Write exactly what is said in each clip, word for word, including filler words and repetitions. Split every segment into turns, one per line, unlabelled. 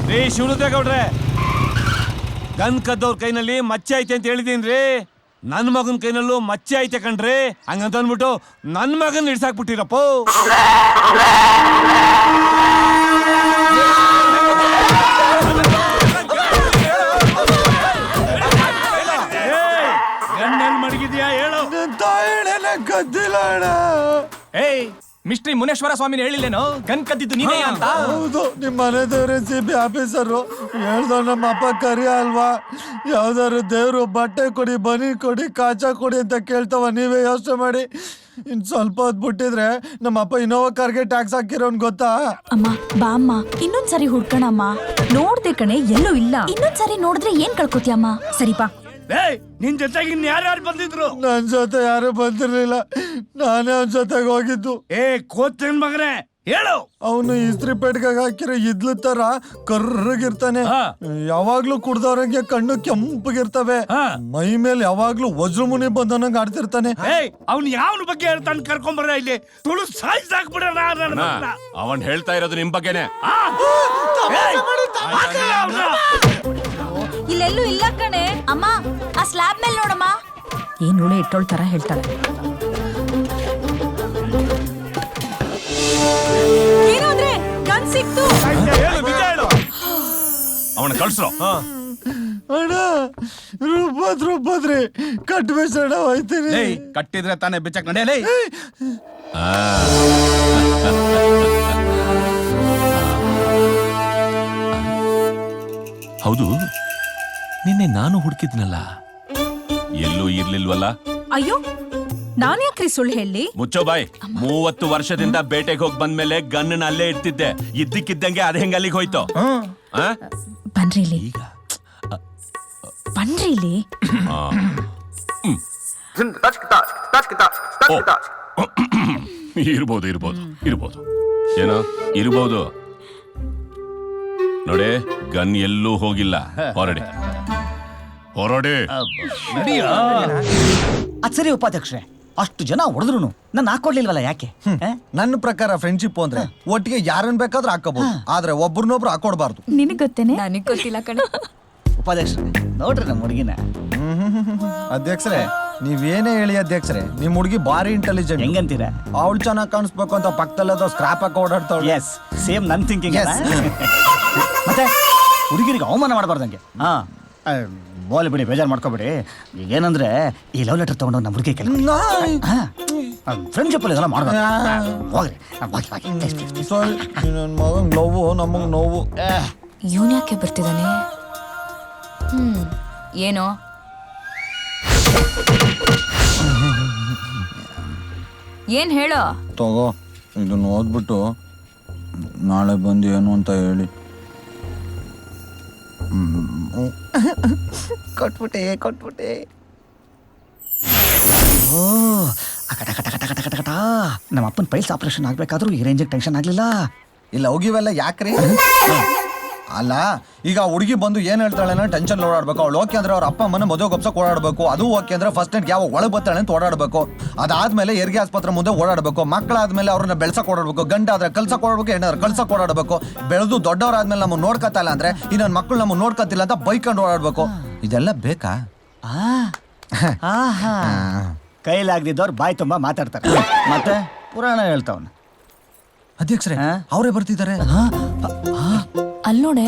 ರೀ ಶಿವರುದ್ರೇಗೌಡ್ರೆ, ಗನ್ ಕದ್ದವ್ರ ಕೈನಲ್ಲಿ ಮಚ್ಚೆ ಐತೆ ಅಂತ ಹೇಳಿದೀನ್ರಿ. ನನ್ ಮಗನ ಕೈನಲ್ಲೂ ಮಚ್ಚೆ ಐತೆ ಕಣ್ರಿ. ಹಂಗಂತ ಅಂದ್ಬಿಟ್ಟು ನನ್ ಮಗನ್ ಹಿಡ್ಸಾಕ್ಬಿಟ್ಟಿರಪ್ಪ.
ಗನ್ನೆಲ್ ಮಡಗಿದ್ಯಾ ಹೇಳು.
ಕದ್ದಿಲ್ಲ ಅಣ್ಣ.
ಏಯ್ ಮಿಸ್ಟ್ರಿ ಮುನೇಶ್ವರ ಸ್ವಾಮಿನ ಹೇಳಿಲ್ಲೇನೋ ಗನ್ ಕದ್ದಿದ್ದು ನೀನೇ ಅಂತ?
ಹೌದು, ನಿಮ್ಮ ಮನೆ ದೇವ್ರ ಸಿ ಬಿ ಆಫೀಸರು ಹೇಳ್ದವ್ ನಮ್ಮ ಅಪ್ಪ ಕರಿ ಅಲ್ವಾ, ಯಾವ್ದಾದ್ರು ದೇವ್ರು ಬಟ್ಟೆ ಕೊಡಿ, ಬನಿ ಕೊಡಿ, ಕಾಚ ಕೊಡಿ ಅಂತ ಕೇಳ್ತಾವ. ನೀವೇ ಯೋಚನೆ ಮಾಡಿ, ಇನ್ ಸ್ವಲ್ಪ ಹೊತ್ತು ಬಿಟ್ಟಿದ್ರೆ ನಮ್ಮ ಅಪ್ಪ ಇನೋವಾ ಕಾರ್ಗೆ ಟ್ಯಾಕ್ಸ್ ಹಾಕಿರೋನ್ ಗೊತ್ತಾ?
ಅಮ್ಮ ಬಾ ಅಮ್ಮ, ಇನ್ನೊಂದ್ಸರಿ ಹುಡ್ಕಣಮ್ಮ. ನೋಡ್ದೆ ಕಣೆ, ಎಲ್ಲೂ ಇಲ್ಲ. ಇನ್ನೊಂದ್ಸರಿ ನೋಡಿದ್ರೆ ಏನ್ ಕಳ್ಕೊತಿಯಮ್ಮ? ಸರಿಪಾ.
ಏಯ್ ನಿನ್ ಜೊತೆಗೆ ಇನ್ ಯಾರ್ಯಾರು ಬಂದಿದ್ರು?
ನನ್ ಜೊತೆ ಯಾರು ಬಂದಿರ್ಲಿಲ್ಲ, ನಾನೇ ಅವನ ಜೊತೆಗೆ ಹೋಗಿದ್ದು.
ಏ ಕೋತಿನ್ ಮಗನೇ ಹೇಳು.
ಅವನು ಇಸ್ತ್ರಿ ಪೇಟ್ಗಾಗ ಹಾಕಿರೋ ಇದ್ಲು ತರ ಕರ್ರಗಿರ್ತಾನೆ. ಯಾವಾಗ್ಲೂ ಕುಡ್ದವ್ರಂಗೆ ಕಣ್ಣು ಕೆಂಪಗಿರ್ತವೆ. ಮೈ ಮೇಲೆ ಯಾವಾಗ್ಲೂ ವಜ್ರಮುನಿ ಬಂದನಂಗ್ ಆಡ್ತಿರ್ತಾನೆ.
ಏಯ್ ಅವ್ನ್ ಯಾವನ ಬಗ್ಗೆ ಹೇಳ್ತಾನೆ? ಕರ್ಕೊಂಬರ ಇಲ್ಲಿ, ತುಳು ಸಾಯಿಸಾಕ್ಬಿಡೋಣ.
ಅವನ್ ಹೇಳ್ತಾ ಇರೋದು ನಿಮ್ ಬಗ್ಗೆನೆ.
ಇಲ್ಲೆಲ್ಲೂ ಇಲ್ಲ ಕಣೆ. ಅಮ್ಮ ಆ ಸ್ಲ್ಯಾಬ್ ಮೇಲೆ ನೋಡಮ್ಮ. ಏನ್ ಉಳೆ ಇಟ್ಟೋಳ್ ತರ ಹೇಳ್ತಾಳೆ. ಏನಂದ್ರೆ ಗನ್ ಸಿಕ್ತು.
ಅವನ ಕಳ್ಸ್ರೋ.
ಅಣ್ಣ ರುಬ್ಬದ್ ರುಬ್ಬದ್ರಿ ಕಟ್ಬೇಸಣ ಹೋಯ್ತೀನಿ.
ಕಟ್ಟಿದ್ರೆ ತಾನೇ ಬಿಚ್ಚಕ್ ನಡೆಯಲೇ.
ಹೌದು, ನಿನ್ನೆ ನಾನು ಹುಡುಕಿದ್ನಲ್ಲ, ಎಲ್ಲೂ ಇರ್ಲಿಲ್ವಲ್ಲ?
ಅಯ್ಯೋ, ನಾನ್ ಯಾಕ್ರಿ ಸುಳ್ಳು ಹೇಳಿ?
ಮುಚ್ಚೋ ಬಾಯ್. ಮೂವತ್ತು ವರ್ಷದಿಂದ ಬೇಟೆಗೆ ಹೋಗಿ ಬಂದ್ಮೇಲೆ ಗನ್ನ ಅಲ್ಲೇ ಇರ್ತಿದ್ದೆ. ಇದ್ದಕ್ಕಿದ್ದಂಗೆ ಅದ ಹೆಂಗ ಅಲ್ಲಿಗೆ ಹೋಯ್ತು?
ಬನ್ರಿ ಇಲ್ಲಿ, ಬನ್ರಿ ಇಲ್ಲಿ.
ಇರ್ಬೋದು ಇರ್ಬೋದು ಇರ್ಬೋದು ಏನೋ ಇರ್ಬೋದು. ನೋಡಿ, ಗನ್ ಎಲ್ಲೂ ಹೋಗಿಲ್ಲ. ಹೊರಡಿ ಹೊರಡಿ.
ಅದ್ ಸರಿ ಉಪಾಧ್ಯಕ್ಷರೇ, ಅಷ್ಟು ಜನ ಹೊಡೆದ್ರು ನನ್ನ ಹಾಕೊಡ್ಲಿಲ್ವಲ್ಲ, ಯಾಕೆ?
ನನ್ನ ಪ್ರಕಾರ ಫ್ರೆಂಡ್ಶಿಪ್ ಅಂದ್ರೆ ಒಟ್ಟಿಗೆ ಯಾರನ್ನ ಬೇಕಾದ್ರೂ ಹಾಕೋಬಹುದು, ಆದ್ರೆ ಒಬ್ರನ್ನೊಬ್ರು ಹಾಕೊಡ್ಬಾರ್ದು.
ನಿನಗ್ ಗೊತ್ತೇನೆ? ನನಗ್ ಗೊತ್ತಿಲ್ಲ ಕಣ.
ಉಪಾಧ್ಯಕ್ಷರೇ ನೋಡ್ರಿ ನಮ್ಮ ಹುಡುಗಿನ.
ಅಧ್ಯಕ್ಷರೇ, ನೀವೇನೇ ಹೇಳಿ ಅಧ್ಯಕ್ಷರೇ, ನಿಮ್ ಹುಡುಗಿ ಬಾರಿ ಇಂಟೆಲಿಜೆಂಟ್.
ಹೆಂಗಂತೀರಾ?
ಅವಳು ಚೆನ್ನಾಗಿ ಕಾಣಿಸ್ಬೇಕು ಅಂತ ಪಕ್ಕದಲ್ಲದ ಸ್ಕ್ರಾಪ್ ಹಾಕಿ ಓಡಾಡ್ತಾವಳೆ.
ಎಸ್, ಸೇಮ್ ನನ್ ಥಿಂಕಿಂಗ್. ಮತ್ತೆ ಹುಡುಗಿರಿಗೆ ಅವಮಾನ ಮಾಡಬಾರ್ದಂಗೆ. ಹಾ, ಬೋಲಿ ಬಿಡಿ, ಬೇಜಾರು ಮಾಡ್ಕೋಬೇಡಿ. ಈಗ ಏನಂದ್ರೆ ಈ ಲವ್ ಲೆಟರ್ ತಗೊಂಡು ನಮ್ಮ ಹುಡುಗಿ ಕೆಲ ಫ್ರೆಂಡ್ಶಿಪ್ ಅಲ್ಲಿ ಇದೆಲ್ಲ ಮಾಡ್ಬೇಕು. ಹೋಗ್ರಿ,
ನನ್ನ ಮಗಂಗ್ ನೋವು, ನಮಗ್ ನೋವು.
ಇವನ್ ಯಾಕೆ ಬರ್ತಿದ್ದಾನೆ? ಹ್ಮ್ ಏನೋ ಏನ್ ಹೇಳೋ?
ತಗೋ, ಇದನ್ನ ಓದ್ಬಿಟ್ಟು ನಾಳೆ ಬಂದು ಏನು ಅಂತ ಹೇಳಿ.
ಕೊಟ್ಬಿಟ್ಟೆ ಕೊಟ್ಬಿಟ್ಟೆ ಓ ಅಕಟ ಕಟ ಕಟ ಕಟ ಕಟ ಕಟ. ನಮ್ಮ ಅಪ್ಪನ ಪೈಲ್ಸ್ ಆಪರೇಷನ್ ಆಗ್ಬೇಕಾದ್ರೂ ಈ ರೇಂಜಿಗೆ ಟೆನ್ಷನ್ ಆಗ್ಲಿಲ್ಲ.
ಇಲ್ಲ ಹೋಗಿವೆಲ್ಲ ಯಾಕ್ರಿ? ಅಲ್ಲ, ಈಗ ಹುಡುಗಿ ಬಂದು ಏನ್ ಹೇಳ್ತಾಳೆ ಅಂದ್ರೆ ಟೆನ್ಷನ್ ಓಡಾಡ್ಬೇಕು. ಅವಳು ಓಕೆ ಅಂದ್ರೆ ಅವ್ರ ಅಪ್ಪ ಅಮ್ಮನ ಮದುವೆ ಗೊಪ್ಸಕ್ ಓಡಾಡ್ಬೇಕು. ಅದು ಓಕೆ ಅಂದ್ರೆ ಫಸ್ಟ್ ನೈಟ್ ಯಾವ ಒಳಗೆ ಬರ್ತಾಳೆ ಅಂತ ಓಡಾಡ್ಬೇಕು. ಅದಾದ್ಮೇಲೆ ಹೆರಿಗೆ ಆಸ್ಪತ್ರೆ ಮುಂದೆ ಓಡಾಡ್ಬೇಕು. ಮಕ್ಕಳಾದ್ಮೇಲೆ ಅವ್ರನ್ನ ಬೆಳ್ಸಕ್ ಓಡಾಡ್ಬೇಕು. ಗಂಡ ಆದ್ರೆ ಕಲ್ಸಕ್ ಓಡಾಡ್ಬೇಕು, ಹೆಣ್ಣಾದ್ರೆ ಕಲ್ಸಕ್ ಓಡಾಡ್ಬೇಕು. ಬೆಳೆದು ದೊಡ್ಡವರಾದ್ಮೇಲೆ ನಮ್ಮನ್ನ ನೋಡ್ಕತ್ತಲ್ಲ ಅಂದ್ರೆ ಈ ನನ್ನ ಮಕ್ಕಳು ನಮ್ಮನ್ನ ನೋಡ್ಕತ್ತಿಲ್ಲ ಅಂತ ಬೈಕೊಂಡು ಓಡಾಡ್ಬೇಕು. ಇದೆಲ್ಲ ಬೇಕಾ?
ಕೈಲಾಗ್ದಿದ್ದವ್ರು ಬಾಯಿ ತುಂಬಾ ಮಾತಾಡ್ತಾರೆ, ಮತ್ತೆ ಪುರಾಣ ಹೇಳ್ತಾವನ.
ಅಧ್ಯಕ್ಷರೇ, ಅವರೇ ಬರ್ತಿದ್ದಾರೆ.
ಅಲ್ ನೋಡೆ.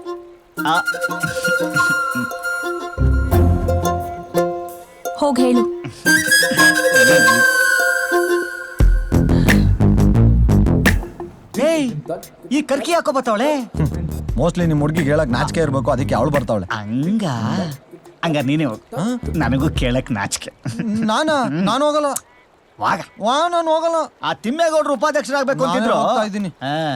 ಹೋಗ್ ಹೇಳು.
ಏಯ್, ಈ ಕರ್ಕಿ ಹಾಕೋ ಬರ್ತಾವಳೆ.
ಮೋಸ್ಟ್ಲಿ ನಿಮ್ ಹುಡುಗಿಗೆ ಹೇಳಕ್ ನಾಚಿಕೆ ಇರ್ಬೇಕು, ಅದಕ್ಕೆ ಅವಳು ಬರ್ತಾವಳೆ.
ಹಂಗ ಹಂಗ ನೀನೇ ಹೋಗ್, ನನಗೂ ಕೇಳಕ್ ನಾಚಿಕೆ.
ನಾನ ನಾನು ಹೋಗಲ್ಲ.
ವಾಗ
ವಾ ನಾನು ಹೋಗಲ್ಲ.
ಆ ತಿಮ್ಮೇಗೌಡರು ಉಪಾಧ್ಯಕ್ಷರಾಗ್ಬೇಕು ಅಂತಿದ್ರು.
ಹೋಗ್ತಾ ಇದ್ದೀನಿ.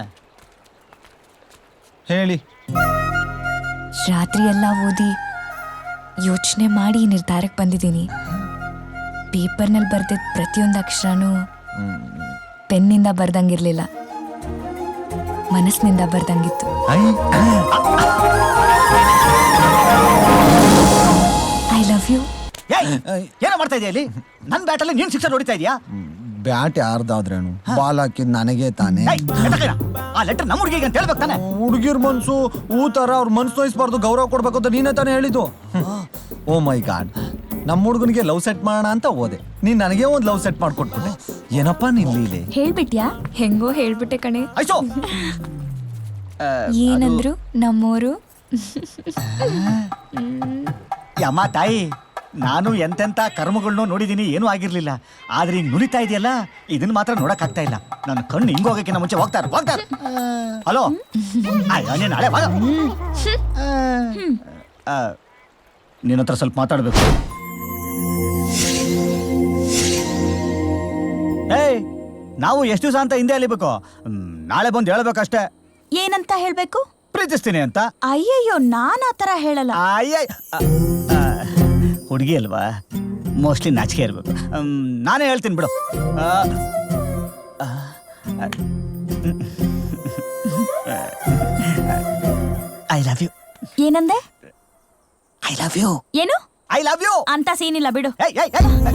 ಹೇಳಿ.
ರಾತ್ರಿ ಎಲ್ಲ ಓದಿ ಯೋಚನೆ ಮಾಡಿ ನಿರ್ಧಾರಕ್ಕೆ ಬಂದಿದ್ದೀನಿ. ಪೇಪರ್ನಲ್ಲಿ ಬರ್ದಿದ್ದ ಪ್ರತಿಯೊಂದು ಅಕ್ಷರನೂ ಪೆನ್ನಿಂದ ಬರ್ದಂಗಿರ್ಲಿಲ್ಲ, ಮನಸ್ಸಿನಿಂದ ಬರ್ದಂಗಿತ್ತು. I love you.
ಏನೋ ಮಾಡ್ತಾ ಇದೆಯಾ ಇಲ್ಲಿ? ನನ್ನ ಬ್ಯಾಟಲ್ಲಿ ನೀನ್ ಶಿಕ್ಷೆ ಹೊಡಿತಾ ಇದೀಯಾ?
ಬ್ಯಾಟ್ ಯಾರ್ದಾದ್ರೇನು ಬಾಲ್ ಹಾಕಿದ್ ನನಗೆ ತಾನೆ.
ಏಯ್, ಎತ್ತಕಯ್ಯ. ಆ ಲೆಟರ್ ನಮ್ಮ ಹುಡುಗಿಗೆ ಅಂತ ಹೇಳ್ಬೇಕು ತಾನೆ.
ಹುಡುಗಿರ್ ಮನ್ಸು ಹೂ ತರ ಅವ್ರ ಮನ್ಸು ನೋಯಿಸ್ಬಾರ್ದು, ಗೌರವ ಕೊಡ್ಬೇಕು ಅಂತ ನೀನೇ ತಾನೇ ಹೇಳಿದ್ದು. ಓ ಮೈ ಗಾಡ್, ನಮ್ಮ ಹುಡುಗನಿಗೆ ಲವ್ ಸೆಟ್ ಮಾಡೋಣ ಅಂತ ಹೋದೆ, ನೀನ್ ನನಗೆ ಒಂದ್ ಲವ್ ಸೆಟ್ ಮಾಡ್ಕೊಟ್ಬಿಟ್ಟೆ. ಏನಪ್ಪಾ ನಿನ್ ಲೀಲೆ?
ಹೇಳ್ಬಿಟ್ಯಾ?
ಹೆಂಗೋ ಹೇಳ್ಬಿಟ್ಟೆ ಕಣೆ.
ಐಸೋ
ಏನಂದ್ರು ನಮ್ಮೋರು?
ಯಮ್ಮ ತಾಯಿ, ನಾನು ಎಂತೆಂತ ಕರ್ಮಗಳನ್ನೂ ನೋಡಿದೀನಿ, ಏನೂ ಆಗಿರ್ಲಿಲ್ಲ. ಆದ್ರೆ ಹಿಂಗ್ ನುರಿತಾ ಇದೆಯಲ್ಲ, ಇದನ್ನ ಮಾತ್ರ ನೋಡಕ್ ಆಗ್ತಾ ಇಲ್ಲ. ನನ್ನ ಕಣ್ಣು ಹಿಂಗ್ ಹೋಗಕ್ಕಿಂತ ಮುಂಚೆ ಹೋಗ್ತಾರ ಹೋಗ್ತಾರ ಹಲೋ, ಅಯ್ಯೋ ನಾಳೆ ಬಾ. ನಿನ್ನ ಹತ್ರ ಸ್ವಲ್ಪ ಮಾತಾಡ್ಬೇಕು. ಏಯ್, ನಾವು ಎಷ್ಟು ದಿವಸ ಅಂತ ಹಿಂದೆ ಅಲಿಬೇಕು? ನಾಳೆ ಬಂದು ಹೇಳ್ಬೇಕಷ್ಟೇ.
ಏನಂತ ಹೇಳ್ಬೇಕು?
ಪ್ರೀತಿಸ್ತೀನಿ ಅಂತ.
ಅಯ್ಯಯ್ಯೋ, ನಾನ್ ಆ ತರ ಹೇಳಲ್ಲ.
ಅಯ್ಯ, ಹುಡುಗಿ ಅಲ್ವಾ, ಮೋಸ್ಟ್ಲಿ ನಾಚಿಕೆ ಇರ್ಬೇಕು. ಮ್, ನಾನೇ ಹೇಳ್ತೀನಿ ಬಿಡು. I love you.
ಏನಂದೆ?
I love you.
ಏನು?
ಐ ಲವ್ ಯು
ಅಂತ ಸೀನಿಲ್ಲ ಬಿಡು.
ಏಯ್ ಏಯ್ ಏಯ್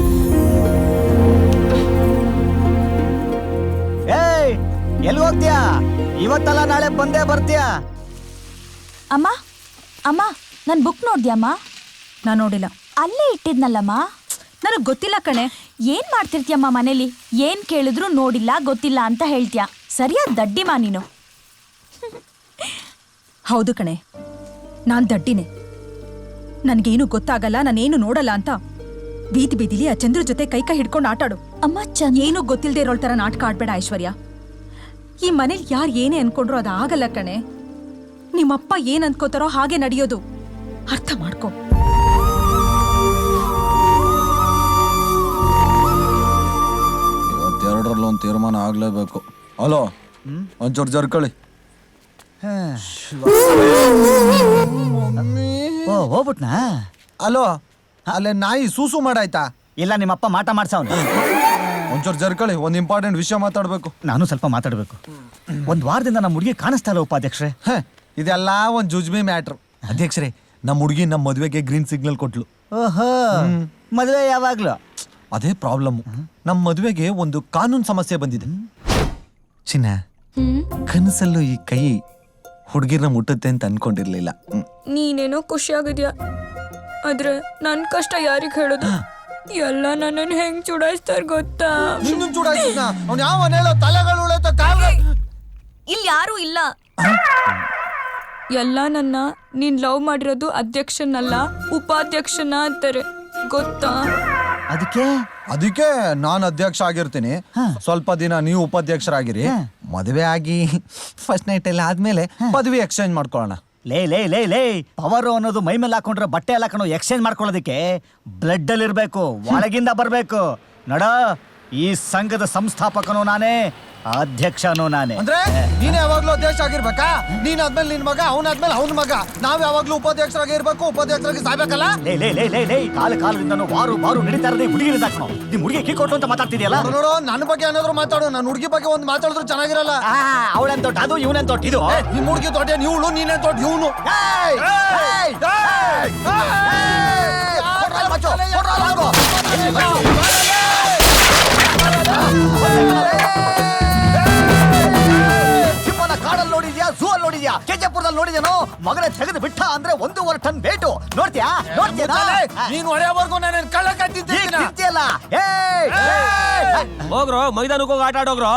ಏಯ್, ಎಲ್ಲಿ ಹೋಗ್ತೀಯಾ? ಇವತ್ತಲ್ಲ ನಾಳೆ ಬಂದೇ ಬರ್ತೀಯಾ?
ಅಮ್ಮ ಅಮ್ಮ, ನನ್ ಬುಕ್ ನೋಡ್ದ್ಯಮ್ಮ?
ನಾನ್ ನೋಡಿಲ್ಲ.
ಅಲ್ಲೇ ಇಟ್ಟಿದ್ನಲ್ಲಮ್ಮ.
ನನಗ್ ಗೊತ್ತಿಲ್ಲ ಕಣೆ.
ಏನ್ ಮಾಡ್ತಿರ್ತೀಯಮ್ಮ ಮನೇಲಿ? ಏನ್ ಕೇಳಿದ್ರು ನೋಡಿಲ್ಲ ಗೊತ್ತಿಲ್ಲ ಅಂತ ಹೇಳ್ತೀಯ. ಸರಿಯಾದ ದಡ್ಡಿಮಾ ನೀನು.
ಹೌದು ಕಣೆ, ನಾನ್ ದಡ್ಡಿನೇ. ನನ್ಗೇನು ಗೊತ್ತಾಗಲ್ಲ, ನಾನೇನು ನೋಡಲ್ಲ ಅಂತ ಬೀದಿ ಬೀದಿಲಿ ಆ ಚಂದ್ರ ಜೊತೆ ಕೈ ಕೈ ಹಿಡ್ಕೊಂಡು ಆಟಾಡು.
ಅಮ್ಮ ಚಂದ.
ಏನು ಗೊತ್ತಿಲ್ದೇ ಇರೋಳ್ ತರ ನಾಟಕ ಆಡ್ಬೇಡ ಐಶ್ವರ್ಯ. ಈ ಮನೇಲಿ ಯಾರು ಏನೇ ಅನ್ಕೊಂಡ್ರು ಅದು ಆಗಲ್ಲ ಕಣೆ. ನಿಮ್ಮಪ್ಪ ಏನ್ ಅನ್ಕೋತಾರೋ ಹಾಗೆ ನಡೆಯೋದು. ಅರ್ಥ ಮಾಡ್ಕೊ.
ಇವತ್ತೆರಡರಲ್ಲಿ ಒಂದು ತೀರ್ಮಾನ ಆಗ್ಲೇಬೇಕು. ಹಲೋ, ಒಂಚೂರು ಜರ್ಕಳಿ.
ಓ, ಹೋಗ್ಬಿಟ್ನಾ?
ಹಲೋ, ಅಲ್ಲೇ ನಾಯಿ ಸೂಸು ಮಾಡಾಯ್ತಾ?
ಇಲ್ಲ, ನಿಮ್ಮಪ್ಪ ಮಾಟ ಮಾಡ್ಸವನು.
ಒಂಚೂರು ಜರ್ಕಳಿ, ಒಂದು ಇಂಪಾರ್ಟೆಂಟ್ ವಿಷಯ ಮಾತಾಡ್ಬೇಕು.
ನಾನು ಸ್ವಲ್ಪ ಮಾತಾಡ್ಬೇಕು. ಒಂದ್ ವಾರದಿಂದ ನಮ್ಮ ಹುಡುಗಿ ಕಾಣಿಸ್ತಾ ಇಲ್ಲ ಉಪಾಧ್ಯಕ್ಷರೇ.
ಹ, ಇದೆಲ್ಲ ಒಂದು ಜುಜ್ಮಿ ಮ್ಯಾಟ್ರ್. ಅಧ್ಯಕ್ಷರೇ, ನಮ್ಮ ಹುಡುಗಿ ನಮ್ಮ ಮದುವೆಗೆ ಗ್ರೀನ್ ಸಿಗ್ನಲ್ ಕೊಟ್ಲು.
ಓಹೋ, ಮದುವೆ ಯಾವಾಗ್ಲೂ?
ಅದೇ ಪ್ರಾಬ್ಲಮ್. ನಮ್ಮ ಮದುವೆಗೆ ಒಂದು ಕಾನೂನು ಸಮಸ್ಯೆ ಬಂದಿದೆ. ಚಿನ್ನ, ಕನಸಲ್ಲೂ ಈ ಕೈ ಹುಡುಗಿರ್ನ ಮುಟ್ಟುತ್ತೆ ಅಂತ ಅನ್ಕೊಂಡಿರ್ಲಿಲ್ಲ.
ನೀನೇನೋ ಖುಷಿಯಾಗಿದ್ಯಾ, ಆದ್ರೆ ನನ್ ಕಷ್ಟ ಯಾರಿಗ್ ಹೇಳೋದು? ಎಲ್ಲ ನನ್ನನ್ನು ಹೆಂಗ್ ಚುಡಾಯಿಸ್ತಾರ ಗೊತ್ತಾ?
ನಿನ್ನೂ ಚೂಡಾಯ್ತಿದ್ನ? ಅವ್ನು ಯಾವ ಹೇಳೋ ತಲೆಗಳು ಉಳಿತ ಕಾಲ.
ಇಲ್ಲಿ ಯಾರು ಇಲ್ಲ. ಎಲ್ಲ ನನ್ನ ನೀನ್ ಲವ್ ಮಾಡಿರೋದು ಅಧ್ಯಕ್ಷನಲ್ಲ, ಉಪಾಧ್ಯಕ್ಷನ ಅಂತಾರೆ ಗೊತ್ತಾ?
ಅದಕ್ಕೆ
ಅದಕ್ಕೆ ನಾನು ಅಧ್ಯಕ್ಷ ಆಗಿರ್ತೀನಿ, ಸ್ವಲ್ಪ ದಿನ ನೀವು ಉಪಾಧ್ಯಕ್ಷರಾಗಿರಿ. ಮದುವೆ ಆಗಿ ಫಸ್ಟ್ ನೈಟ್ ಎಲ್ಲ ಆದ್ಮೇಲೆ ಪದವಿ ಎಕ್ಸ್ಚೇಂಜ್ ಮಾಡ್ಕೊಳ್ಳೋಣ.
ಲೇ ಲೇ ಲೇ ಲೇ ಪವರ್ ಅನ್ನೋದು ಮೈ ಮೇಲೆ ಹಾಕೊಂಡ್ರೆ ಬಟ್ಟೆ ಎಲ್ಲ ಹಾಕೊಂಡು ಎಕ್ಸ್ಚೇಂಜ್ ಮಾಡ್ಕೊಳ್ಳೋದಕ್ಕೆ ಬ್ಲಡ್ ಅಲ್ಲಿ ಇರ್ಬೇಕು, ಒಳಗಿಂದ ಬರ್ಬೇಕು. ನಡ, ಈ ಸಂಘದ ಸಂಸ್ಥಾಪಕನು ನಾನೇ, ಅಧ್ಯಕ್ಷನು ನಾನೇ.
ಅಂದ್ರೆ ನೀನ್ ಯಾವಾಗ್ಲೂ ಅಧ್ಯಕ್ಷ ಆಗಿರ್ಬೇಕಾ? ನೀನ್ ಆದ್ಮೇಲೆ ನಿನ್ ಮಗ, ಅವನಾದ್ಮೇಲೆ ಅವನ ಮಗ. ನಾವ್ ಯಾವಾಗ್ಲೂ ಉಪಾಧ್ಯಕ್ಷರಾಗಿ ಇರ್ಬೇಕು, ಉಪಾಧ್ಯಕ್ಷರಾಗಿ ಸಾಯ್ಬೇಕಲ್ಲ?
ಲೇ ಲೇ ಲೇ ಲೇ ಲೇ ಕಾಲ ಕಾಲದಿಂದ ವಾರು ಬಾರು ನಡೀತಾ ಇರೋದೇ ಹುಡುಗಿನ ಹಾಕೋಣ. ನಿಮ್ ಹುಡುಗಿ ಕೀ ಕೊಟ್ಟು ಅಂತ ಮಾತಾಡ್ತಿದ್ಯಲ್ಲ?
ನೋಡು, ನನ್ನ ಬಗ್ಗೆ ಏನಾದ್ರು ಮಾತಾಡು, ನನ್ನ ಹುಡುಗಿ ಬಗ್ಗೆ ಒಂದು ಮಾತಾಡಿದ್ರು ಚೆನ್ನಾಗಿರಲ್ಲ.
ಅವಳೆನ್ ತೊಟ್ಟು ಅದು, ಇವನೆನ್ ತೊಟ್ಟು ಇದು.
ನಿಮ್ ಹುಡುಗಿ ದೊಡ್ಡ ಇವಳು, ನೀನೇನ್ ದೊಡ್ಡ ಇವನು.
ಸಿಂಹನ ಕಾಡಲ್ಲಿ ನೋಡಿದ್ಯಾ, ಝೂ ಅಲ್ಲಿ ನೋಡಿದ್ಯಾ, ಕೆಜೆಪುರದಲ್ಲಿ ನೋಡಿದ್ಯಾನೋ? ಮಗನೇ ತೆಗೆದು ಬಿಟ್ಟ ಅಂದ್ರೆ ಒಂದೂವರೆ ಟನ್ ವೇಟು. ನೋಡ್ತೀಯಾ ನೋಡ್ತೀಯಾ?
ನೀನ್ ಹೊಡೆಯವರೆಗೂ ನಾನು ಕಳ್ಳ ಕಟ್ಟಿದ್ದೀನಿ.
ಹೋಗ್ರೋ, ಮೈದಾನಕ್ಕೆ ಹೋಗಿ ಆಟ ಆಡೋಗ್ರೋ.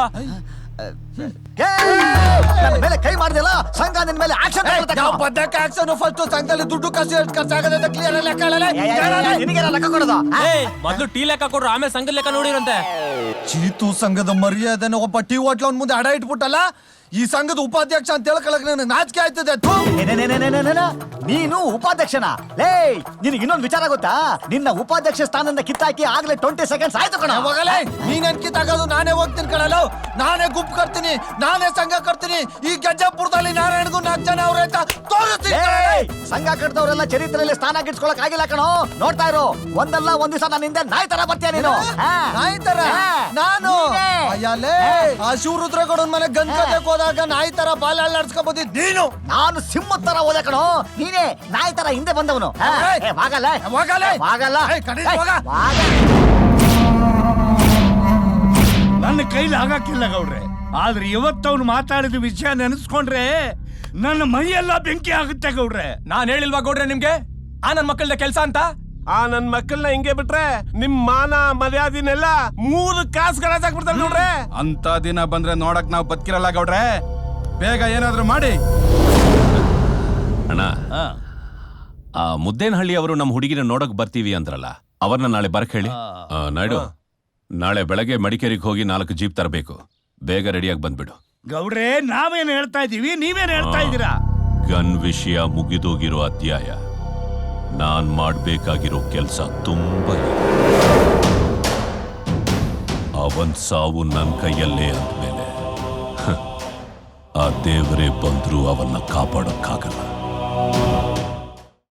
ನನ್ನ ಮೇಲೆ ಕೈ ಮಾಡಿದೆಲ್ಲ, ಸಂಘ ನಿನ್ ಮೇಲೆ ಆಕ್ಷನ್
ಬದ್ದಕ್ಕೆ ಆಕ್ಷನ್. ಫಸ್ಟ್ ಸಂಘದಲ್ಲಿ ದುಡ್ಡು ಖರ್ಚು ಎಷ್ಟು ಖರ್ಚಾಗದೆ ಅಂತ ಕ್ಲಿಯರ್ ಲೆಕ್ಕ ಹೇಳಲ್ಲ.
ನಿನಗೆ ಲೆಕ್ಕ ಕೊಡೋದು?
ಮೊದ್ಲು ಟೀ ಲೆಕ್ಕ ಕೊಡ್ರು, ಆಮೇಲೆ ಸಂಘದ ಲೆಕ್ಕ ನೋಡಿರಂತೆ.
ಚೀತು ಸಂಘದ ಮರ್ಯಾದೆನ ಒಬ್ಬ ಟೀ ಹೋಟ್ಲ ಅವ್ನ ಮುಂದೆ ಅಡ ಇಟ್ಬಿಟ್ಟಲ್ಲ. ಈ ಸಂಘದ ಉಪಾಧ್ಯಕ್ಷ ಅಂತ ಹೇಳ್ಕೊಳಕ್ ನನಗೆ ನಾಚಿಕೆ ಆಯ್ತದೆ.
ನೀನು ಉಪಾಧ್ಯಕ್ಷನ? ಲೇ, ನಿನಗೆ ಇನ್ನೊಂದು ವಿಚಾರ ಗೊತ್ತಾ? ನಿನ್ನ ಉಪಾಧ್ಯಕ್ಷ ಸ್ಥಾನದಿಂದ ಕಿತ್ತಾಕಿ ಆಗ್ಲೇ ಟ್ವೆಂಟಿ ಸೆಕೆಂಡ್ಸ್ ಆಯ್ತು ಕಣ.
ಹೋಗಲೇ, ನೀನೇನ್ ಕಿತ್ತಾಗೋದು? ನಾನೇ ಹೋಗ್ತೀನಿ ಕಣಲ್ಲ, ನಾನೇ ಗುಂಪು ಕಟ್ತೀನಿ, ನಾನೇ ಸಂಘ ಕಟ್ತೀನಿ. ಈ ಗಜ್ಜಾಪುರದಲ್ಲಿ ನಾರಾಯಣಗೂ ನಾಲ್ಕು ಜನ ಅವ್ರ ಅಂತ ತೋರಿಸ್ತೀನಿ.
ಸಂಘ ಕಟ್ಟಿದವರೆಲ್ಲ ಚರಿತ್ರೆಯಲ್ಲಿ ಸ್ಥಾನ ಗಿಟ್ಸ್ಕೊಳಕ್ ಆಗಿಲ್ಲ ಕಣೋ. ನೋಡ್ತಾ ಇರು, ಒಂದಲ್ಲ ಒಂದ್ ದಿವಸ ನನ್ನ ಹಿಂದೆ ನಾಯಿ ತರ ಬರ್ತೀಯ ನೀನು.
ನಾಯಿ ತರ ನಾನು? ಅಯ್ಯಲೇ, ಆ ಶಿವರುದ್ರಗೌಡನ ಮನೆ ಗನ್ ಕಟ್ಟಕ್ ಹೋದಾಗ ನಾಯಿ ತರ ಬಾಲ ಅಲ್ಲಾಡ್ಸ್ಕೊಬೋದಿದ್ ನೀನು.
ನಾನು ಸಿಂಹ ತರ ಹೋದೆ ಕಣೋ, ನೀನೇ ನಾಯಿ ತರ ಹಿಂದೆ ಬಂದವನು. ಆಗಲ್ಲ ಆಗಲ್ಲ.
ನನ್ನ ಕೈಲಿ ಆಗಕ್ಕಿಲ್ಲ ಗೌಡ್ರೆ. ಆದ್ರೆ ಇವತ್ತವನು ಮಾತಾಡಿದ ವಿಷಯ ನೆನೆಸ್ಕೊಂಡ್ರೆ ನನ್ನ ಮೈಯೆಲ್ಲ ಬೆಂಕಿ ಆಗುತ್ತೆ ಗೌಡ್ರೆ.
ನಾನ್ ಹೇಳಿಲ್ವಾ ಗೌಡ್ರೆ ನಿಮ್ಗೆ ಆ ನನ್ ಮಕ್ಕಳ ಕೆಲ್ಸ ಅಂತ?
ಆ ನನ್ ಮಕ್ಕಳನ್ನ ಹಿಂಗೆ ಬಿಟ್ರೆ ನಿಮ್ ಮಾನ ಮರ್ಯಾದಿನೆಲ್ಲ ಮೂರು ಕಾಸು ಗರಾಜಾಕ್ಬಿಡ್ತಾರೆ ನೋಡ್ರೆ.
ಅಂತ ದಿನ ಬಂದ್ರೆ ನೋಡಕ್ ನಾವು ಬದುಕಿರಲ್ಲ ಗೌಡ್ರೆ. ಬೇಗ ಏನಾದ್ರೂ ಮಾಡಿ.
ಅಣ್ಣ, ಆ ಮುದ್ದೇನಹಳ್ಳಿ ಅವರು ನಮ್ಮ ಹುಡುಗಿನ ನೋಡಕ್ ಬರ್ತೀವಿ ಅಂದ್ರಲ್ಲ, ಅವ್ರನ್ನ ನಾಳೆ ಬರಕ್ ಹೇಳಿ. ಆ, ನಾಯ್ಡು, ನಾಳೆ ಬೆಳಗ್ಗೆ ಮಡಿಕೇರಿಗೆ ಹೋಗಿ ನಾಲ್ಕು ಜೀಪ್ ತರಬೇಕು. ಬೇಗ ರೆಡಿಯಾಗಿ ಬಂದ್ಬಿಡು.
ಗೌಡ್ರೆ, ನಾವೇನ್ ಹೇಳ್ತಾ ಇದೀವಿ, ನೀವೇನ್ ಹೇಳ್ತಾ ಇದ್ದೀರಾ?
ಗನ್ ವಿಷಯ ಮುಗಿದೋಗಿರೋ ಅಧ್ಯಾಯ. ನಾನ್ ಮಾಡ್ಬೇಕಾಗಿರೋ ಕೆಲ್ಸ ತುಂಬಾ ಇದೆ. ಅವನ್ ಸಾವು ನನ್ ಕೈಯಲ್ಲೇ ಅಂದ್ಮೇಲೆ ಆ ದೇವರೇ ಬಂದ್ರೂ ಅವನ್ನ ಕಾಪಾಡಕ್ಕಾಗಲ್ಲ.